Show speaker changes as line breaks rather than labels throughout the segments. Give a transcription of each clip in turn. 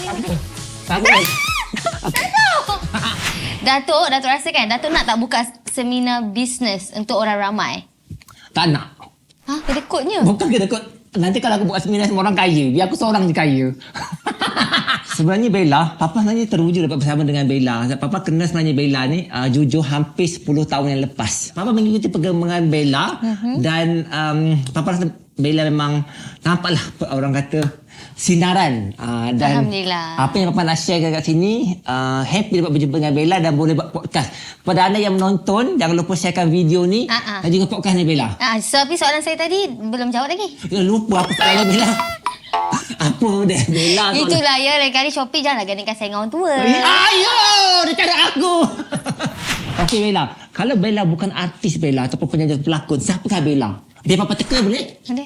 Apa?
Datuk rasa kan Datuk nak tak buka seminar bisnes untuk orang ramai?
Tak nak.
Ha? Kena kodnya?
Bukan kena kot. Nanti kalau aku buat seminar sama orang kaya, biar aku seorang je kaya. Sebenarnya Bella, Papa sebenarnya teruja dapat bersama dengan Bella. Papa kenal sebenarnya Bella ni jujur hampir 10 tahun yang lepas. Papa mengikuti perkembangan Bella dan Papa rasa Bella memang nampaklah orang kata sinaran. Dan
Alhamdulillah.
apa yang Papa nak share kat sini, happy dapat berjumpa dengan Bella dan boleh buat podcast. Kepada anda yang menonton, jangan lupa sharekan video ni dan juga podcast ni Bella.
Tapi soalan saya tadi belum jawab lagi.
Lupa apa soalan Bella. Apa dia Bella?
Itulah ya, lain kali Shopee janganlah gandingkan saya dengan orang tua.
Ayo, dia cakap aku. Okey Bella, kalau Bella bukan artis Bella ataupun penyanyi pelakon, siapakah Bella? Dia Papa teka boleh?
Boleh.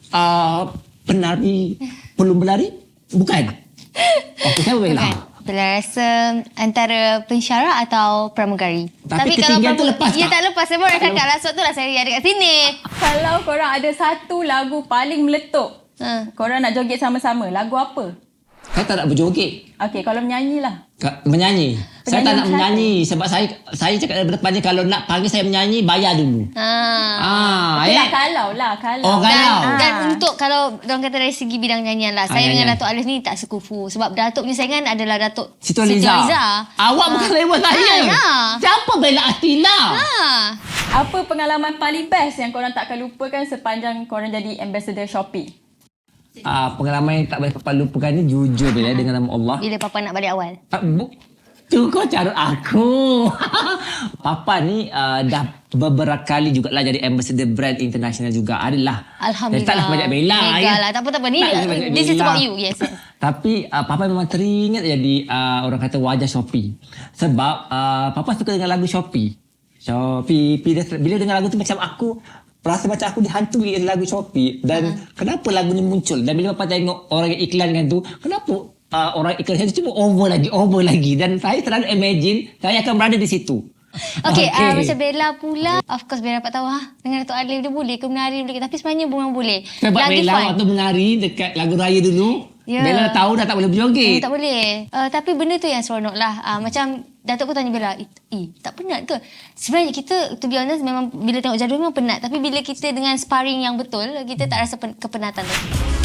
Penari, pelum berlari? Bukan. Okey, siapa Bella?
Bukan. Bella rasa antara pensyarah atau pramugari.
Tapi ketinggian tu lepas
ya,
tak?
tak lepas. Saya baru nak cakap lah. Sebab tu lah saya ada kat sini.
Kalau korang ada satu lagu paling meletup, korang nak joget sama-sama, lagu apa?
Saya tak nak berjoget.
Okey, kalau menyanyi lah.
Menyanyi. Saya tak nak
Penyanyi
menyanyi sebab saya cakap dari depan ni kalau nak panggil saya menyanyi bayar dulu.
Okey lah, kalau.
Oh, kalau.
Dan untuk kalau orang kata dari segi bidang nyanyian lah, saya dengan
nyanyian.
Datuk Alif ni tak sekufu. Sebab Datuk punya saingan adalah Datuk
Siti Nurhaliza. Awak bukan level saya.
ya.
Siapa Bella Astila?
Apa pengalaman paling best yang korang takkan lupakan sepanjang korang jadi ambassador Shopee?
Pengalaman yang tak boleh Papa lupakan ni jujur Bella dengan nama Allah.
Bila Papa nak balik awal.
Tu kau carut aku. Papa ni dah beberapa kali jugalah jadi ambassador brand international juga. Adalah.
Alhamdulillah.
Taklah banyak Bella.
Mega lah. Tak apa. Ni,
banyak
this is
Bella.
about you. Yes.
Tapi Papa memang teringat jadi orang kata wajah Shopee. Sebab Papa suka dengan lagu Shopee. Shopee. Bila dengar lagu tu macam aku rasa macam aku dihantui lagu Shopee. Dan kenapa lagu ni muncul. Dan bila Papa tengok orang yang iklankan tu, kenapa orang iklan tu cuma over lagi. Dan saya selalu imagine saya akan berada di situ.
Okay. Macam Bella pula, of course Bella dapat tahu dengan Datuk Alif dia boleh ke menari boleh ke, tapi sebenarnya bukan boleh.
Sebab
Lagi
Bella
fun.
waktu menari dekat lagu raya dulu,
Ya.
Bella dah tahu dah tak boleh berjoget.
Tak boleh. Tapi benda tu yang seronok lah. Macam Datuk pun tanya Bella, tak penat ke? Sebenarnya kita, to be honest, memang bila tengok jadual memang penat. Tapi bila kita dengan sparring yang betul, kita tak rasa kepenatan tu.